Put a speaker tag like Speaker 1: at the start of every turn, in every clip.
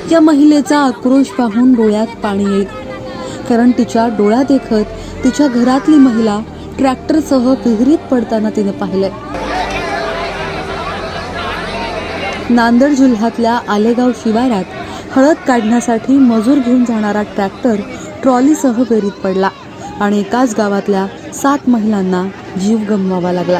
Speaker 1: या महिलेचा आक्रोश पाहून डोळ्यात पाणी येईल, कारण तिच्या डोळ्यात देखत तिच्या घरातली महिला ट्रॅक्टरसह विहिरीत पडताना तिने पाहिलंय। नांदेड जिल्ह्यातल्या आलेगाव शिवारात हळद काढण्यासाठी मजूर घेऊन जाणारा ट्रॅक्टर ट्रॉलीसह विहिरीत पडला आणि एकाच गावातल्या 7 महिलांना जीव गमवावा लागला।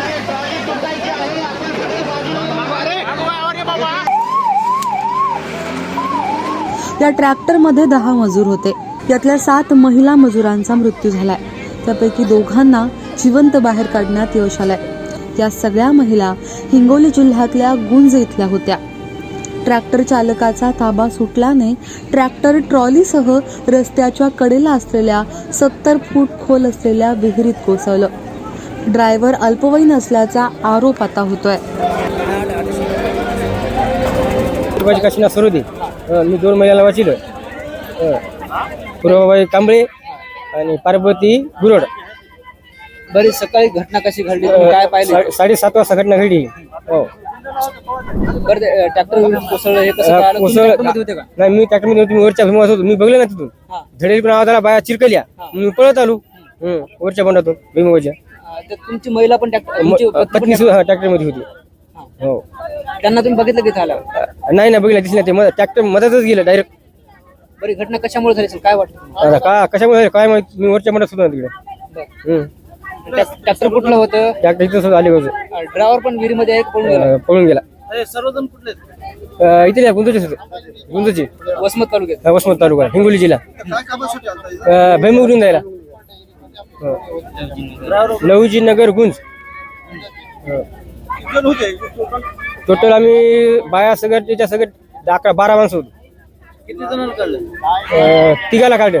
Speaker 1: या ट्रॅक्टरमध्ये 10 मजूर होते। यातल्या 7 महिला मजुरांचा मृत्यू झालाय, त्यापैकी 2घांना जिवंत बाहेर काढण्यात यश आलंय। या सगळ्या महिला हिंगोली जिल्ह्यातल्या गुंज इथल्या होत्या। ट्रॅक्टर चालकाचा ताबा सुटल्याने ट्रॅक्टर ट्रॉलीसह रस्त्याच्या कडेला असलेल्या 70 फूट खोल असलेल्या विहिरीत कोसळलं। ड्रायव्हर अल्पवयीन असल्याचा आरोप आता होतोय।
Speaker 2: मी 2 महिन्याला वाचिलं, पूर्वबाई कांबळे आणि पार्वती गुरड।
Speaker 3: बरी सकाळी घटना कशी घडली, काय पाहिलं?
Speaker 2: 7:30 वाजता घटना घडली। हो,
Speaker 3: बरं ट्रॅक्टर कोसळलं हे कसं कळालं? तुम्ही ट्रॅक्टरमध्ये होते का?
Speaker 2: नाही, मी ट्रॅक्टरमध्ये होतो, मी वरच्या भीमावर होतो, मी बघलं ना तिथून धडेल पण आवाज आला, बाया चिरकल्या, मी पळत आलो वरच्या बंडातून भीमावरच्या।
Speaker 3: तर तुमची महिला पण
Speaker 2: पत्नी ट्रॅक्टरमध्ये होती। हो,
Speaker 3: त्यांना तुम्ही बघितलं की आला?
Speaker 2: नाही बघितलं, दिसलं ते ट्रॅक्टर मधातच गेलं डायरेक्ट।
Speaker 3: बरी घटना कशामुळे झाली काय वाटतं?
Speaker 2: का कशामुळे काय माहिती, मी वरच्या बंडात होतो तिकडे।
Speaker 3: ट्रॅक्टर कुठलं होतं?
Speaker 2: ट्रॅक्टर इथं आले होते,
Speaker 3: ड्रायव्हर पण विहिरीमध्ये आहे,
Speaker 2: पळून गेला।
Speaker 3: सर्वजण कुठले?
Speaker 2: इथे गुंजचे
Speaker 3: वसमत तालुक्यात?
Speaker 2: वसमत तालुका, हिंगोली जिल्हा, भैमुगडून जायला लहुजी नगर गुंज। टोटल आम्ही बाया सगळं त्याच्या सगळं 11-12 माणसं होतो।
Speaker 3: किती जणांना काढलं?
Speaker 2: 3घाला काढलं।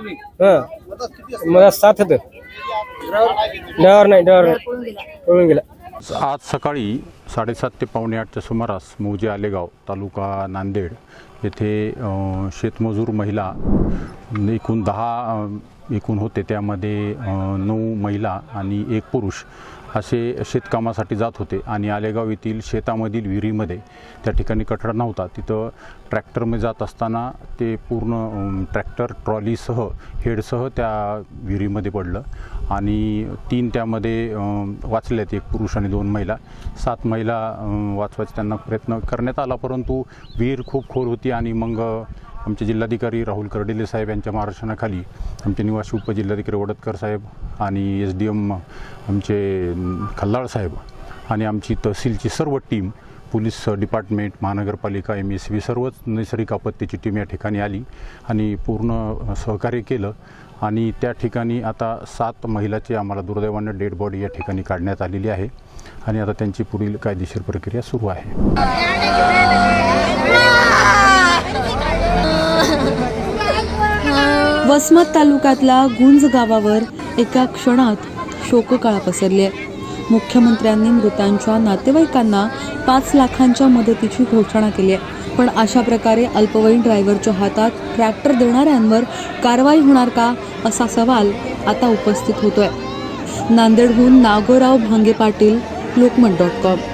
Speaker 2: मला 7 होतं। ड्रायव्हर पळून गेला।
Speaker 4: आज सकाळी 7:30 ते 7:45च्या सुमारास मौजे आलेगाव तालुका नांदेड येथे शेतमजूर महिला एकूण 10 होते, त्यामध्ये 9 महिला आणि 1 पुरुष असे शेतकामासाठी जात होते आणि आलेगाव येथील शेतामधील विहिरीमध्ये त्या ठिकाणी कठडा नव्हता, तिथं ट्रॅक्टरमध्ये जात असताना ते पूर्ण ट्रॅक्टर ट्रॉलीसह हेडसह त्या विहिरीमध्ये पडलं आणि 3 त्यामध्ये वाचल्यात, 1 पुरुष आणि 2 महिला। 7 महिला वाचवायचा त्यांना प्रयत्न करण्यात आला, परंतु विहीर खूप खोल होती आणि मग आमचे जिल्हाधिकारी राहुल कर्डिले साहेब यांच्या मार्गदर्शनाखाली आमचे निवासी उपजिल्हाधिकारी वडतकर साहेब आणि SDM आमचे खल्लाळ साहेब आणि आमची तहसीलची सर्व टीम, पोलीस डिपार्टमेंट, महानगरपालिका, MSB सर्वच नैसर्गिक आपत्तीची टीम या ठिकाणी आली आणि पूर्ण सहकार्य केलं आणि त्या ठिकाणी आता 7 महिलाची आम्हाला दुर्दैवाने डेड बॉडी या ठिकाणी काढण्यात आलेली आहे आणि आता त्यांची पुढील कायदेशीर प्रक्रिया सुरू आहे।
Speaker 1: वसमत तालुक्यातल्या गुंज गावावर एका क्षणात शोककळा पसरली आहे। मुख्यमंत्र्यांनी मृतांच्या नातेवाईकांना 5 लाखांच्या मदतीची घोषणा केली आहे, पण अशा प्रकारे अल्पवयीन ड्रायव्हरच्या हातात ट्रॅक्टर देणाऱ्यांवर कारवाई होणार का, असा सवाल आता उपस्थित होतोय। नांदेडहून नागोराव भांगे पाटील, लोकमत.com।